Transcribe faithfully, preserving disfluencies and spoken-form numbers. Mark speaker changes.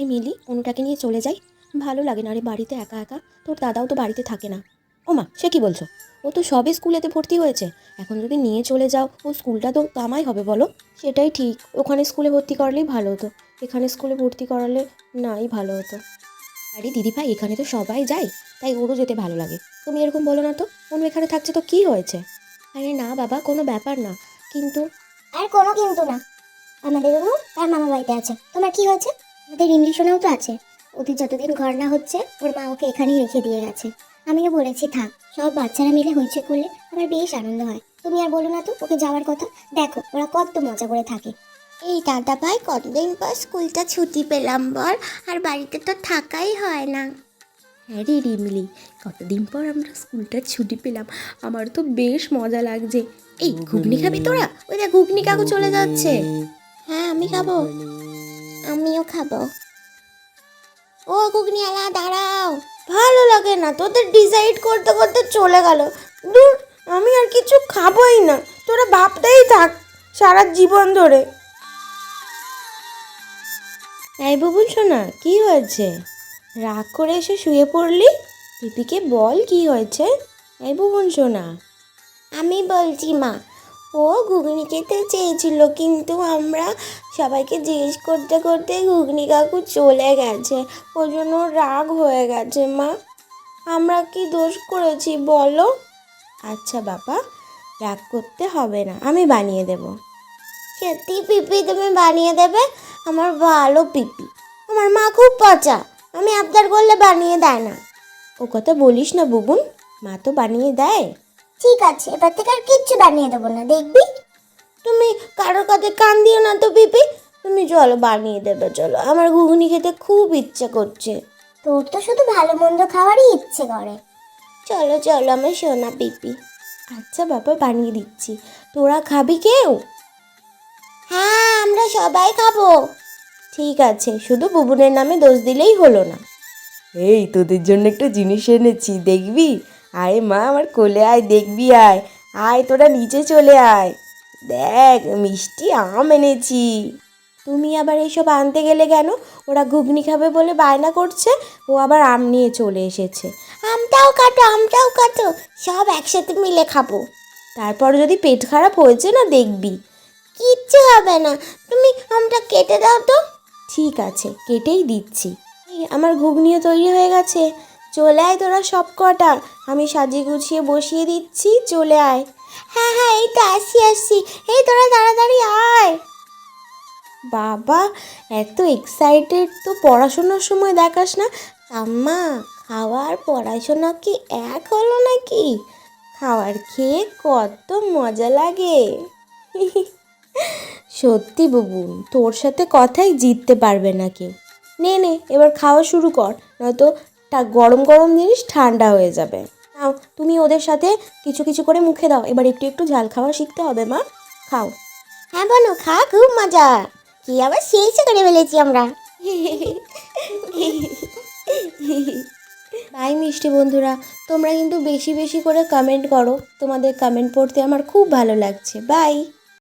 Speaker 1: এই মিলি, অনুটাকে নিয়ে চলে যাই। ভালো লাগে না রে বাড়িতে একা একা। তোর দাদাও তো বাড়িতে থাকে না। ও মা, সে কি বলছো? ও তো সবে স্কুলেতে ভর্তি হয়েছে। এখন যদি নিয়ে চলে যাও, ও স্কুলটা তো কামাই হবে বলো। সেটাই ঠিক, ওখানে স্কুলে ভর্তি করালেই ভালো হতো। এখানে স্কুলে ভর্তি করালে নাই ভালো হতো। আরে দিদিভাই, এখানে তো সবাই যায়, তাই ওরও যেতে ভালো লাগে। তুমি এরকম বলো না তো। অনু এখানে থাকছে তো কি হয়েছে? আরে না বাবা, কোনো ব্যাপার না। কিন্তু
Speaker 2: আর কোনো কিন্তু না, আমাদের অনু তার মামা বাড়িতে আছে। তোমার কি হয়েছে? আমাদের রিলেশনেও তো আছে। ওদের যতদিন ঘর না হচ্ছে ওর মা ওকে এখানেই রেখে দিয়ে গেছে। আমিও বলেছি থাক, সব বাচ্চারা মিলে হইচে করলে আমার বেশ আনন্দ হয়। তুমি আর বলো না তো ওকে যাওয়ার কথা। দেখো ওরা কত মজা করে থাকে।
Speaker 3: এই দাদা ভাই, কতদিন পর স্কুলটা ছুটি পেলাম বল, আর বাড়িতে তো থাকাই হয় না।
Speaker 1: হ্যাঁ রে রিমলি, কতদিন পর আমরা স্কুলটার ছুটি পেলাম। আমার তো বেশ মজা লাগছে। এই ঘুগনি খাবি তোরা? ওই দেখ ঘুগনি কাকু চলে যাচ্ছে।
Speaker 3: হ্যাঁ, আমি খাবো। আমিও খাবো। ও ঘুগনিওয়ালা, দাঁড়াও।
Speaker 1: ভালো লাগে না, তোদের ডিসাইড করতে করতে চলে গেল। দূর, আমি আর কিছু খাবোই না। তোরা ভাবতেই থাক সারা জীবন ধরে। এই বুবুল সোনা, কি হয়েছে? রাগ করে এসে শুয়ে পড়লি? পিপিকে বল কি হয়েছে। এই বুবুল সোনা।
Speaker 3: আমি বলছি মা, ও ঘুগনি খেতে চেয়েছিল, কিন্তু আমরা সবাইকে জিজ্ঞেস করতে করতে ঘুগনি কাকু চলে গেছে। ওই জন্য রাগ হয়ে গেছে মা।
Speaker 1: আমরা কি দোষ করেছি বলো? আচ্ছা বাবা, রাগ করতে হবে না, আমি বানিয়ে দেব।
Speaker 3: সত্যি পিপি তুমি বানিয়ে দেবে? আমার ভালো পিপি, আমার মা খুব পচা, আমি আবদার করলে বানিয়ে দেয় না।
Speaker 1: ও কথা বলিস না বুবুন, মা তো বানিয়ে দেয়।
Speaker 2: ঠিক আছে, এবার থেকে আর কিচ্ছু বানিয়ে দেবো না, দেখবি।
Speaker 1: তুমি কারোর কাছে কান দিও না তো পিপি। তুমি চলো বানিয়ে দেবে, চলো, আমার ঘুগনি খেতে খুব ইচ্ছে করছে।
Speaker 2: তোর তো শুধু ভালো মন্দ খাওয়ারই ইচ্ছে করে।
Speaker 3: চলো চলো আমার সোনা পিপি।
Speaker 1: আচ্ছা বাবা, বানিয়ে দিচ্ছি। তোরা খাবি কেউ?
Speaker 3: হ্যাঁ, আমরা সবাই খাবো।
Speaker 1: ঠিক আছে, শুধু বুবুনের নামে দোষ দিলেই হলো না।
Speaker 4: এই তোদের জন্য একটা জিনিস এনেছি, দেখবি? আয় মা, আমার কোলে আয়, দেখবি? আয় আয়, তোরা নিচে চলে আয়। দেখ, মিষ্টি আম এনেছি।
Speaker 1: তুমি আবার এইসব আনতে গেলে কেন? ওরা ঘুগনি খাবে বলে বায়না করছে, ও আবার আম নিয়ে চলে এসেছে।
Speaker 3: আমটাও কাটো, আমটাও কাটো, সব একসাথে মিলে খাবো।
Speaker 1: তারপর যদি পেট খারাপ হয়েছে না দেখবি।
Speaker 3: কিচ্ছু হবে না, তুমি আমটা কেটে দাও তো।
Speaker 1: ঠিক আছে, কেটেই দিচ্ছি। এই, আমার ঘুগনিও তৈরি হয়ে গেছে। চলে আয় তোরা সব কটা, আমি সাজিয়ে গুছিয়ে বসিয়ে দিচ্ছি, চলে আয়।
Speaker 3: হ্যাঁ হ্যাঁ, এই তো আসি আসি, এই তোরা তাড়াতাড়ি আয়।
Speaker 1: বাবা, এত এক্সাইটেড তো পড়াশোনার সময় দেখাস না।
Speaker 3: আম্মা, খাওয়ার পড়াশোনা কি এক হলো নাকি?
Speaker 1: খাওয়ার খেয়ে কত মজা লাগে। সত্যি বুবুন, তোর সাথে কথাই জিততে পারবে না কেউ। নে নে, এবার খাওয়া শুরু কর, নয়তো তা গরম গরম জিনিস ঠান্ডা হয়ে যাবে। নাও, তুমি ওদের সাথে কিছু কিছু করে মুখে দাও। এবার একটু একটু ঝাল খাওয়া শিখতে হবে মা। খাও।
Speaker 3: হ্যাঁ বোনো, খা, খুব মজা। কি আবার শেষ করে ফেলেছি আমরা।
Speaker 1: বাই মিষ্টি বন্ধুরা, তোমরা কিন্তু বেশি বেশি করে কমেন্ট করো। তোমাদের কমেন্ট পড়তে আমার খুব ভালো লাগছে। বাই।